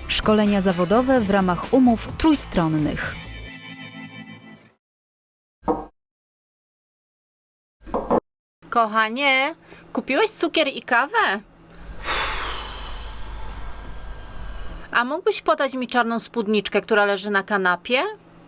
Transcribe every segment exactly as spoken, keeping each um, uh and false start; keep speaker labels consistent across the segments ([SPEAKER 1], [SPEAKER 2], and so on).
[SPEAKER 1] Szkolenia zawodowe w ramach umów trójstronnych.
[SPEAKER 2] Kochanie, kupiłeś cukier i kawę? A mógłbyś podać mi czarną spódniczkę, która leży na kanapie?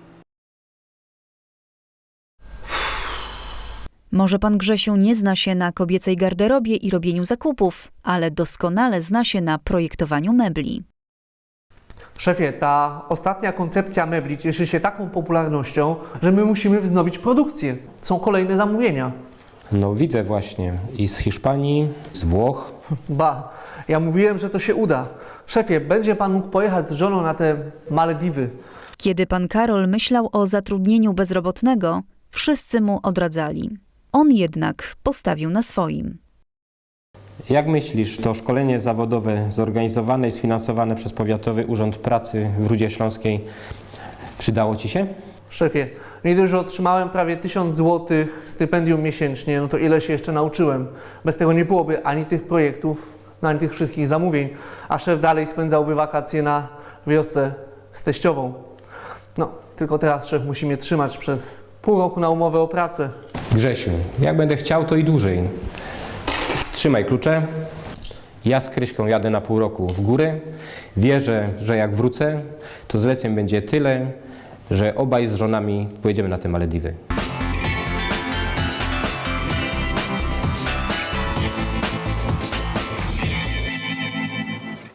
[SPEAKER 1] Może pan Grzesiu nie zna się na kobiecej garderobie i robieniu zakupów, ale doskonale zna się na projektowaniu mebli.
[SPEAKER 3] Szefie, ta ostatnia koncepcja mebli cieszy się taką popularnością, że my musimy wznowić produkcję. Są kolejne zamówienia.
[SPEAKER 4] No widzę właśnie. I z Hiszpanii, z Włoch.
[SPEAKER 3] Ba, ja mówiłem, że to się uda. Szefie, będzie pan mógł pojechać z żoną na te Malediwy.
[SPEAKER 1] Kiedy pan Karol myślał o zatrudnieniu bezrobotnego, wszyscy mu odradzali. On jednak postawił na swoim.
[SPEAKER 4] Jak myślisz, to szkolenie zawodowe zorganizowane i sfinansowane przez Powiatowy Urząd Pracy w Rudzie Śląskiej przydało ci się?
[SPEAKER 3] Szefie, nie dość, że otrzymałem prawie tysiąc złotych stypendium miesięcznie, no to ile się jeszcze nauczyłem. Bez tego nie byłoby ani tych projektów, no ani tych wszystkich zamówień, a szef dalej spędzałby wakacje na wiosce z teściową. No, tylko teraz szef musi mnie trzymać przez pół roku na umowę o pracę.
[SPEAKER 4] Grzesiu, jak będę chciał, to i dłużej. Trzymaj klucze. Ja z Kryśką jadę na pół roku w górę. Wierzę, że jak wrócę, to zleceń będzie tyle, że obaj z żonami pojedziemy na te Malediwy.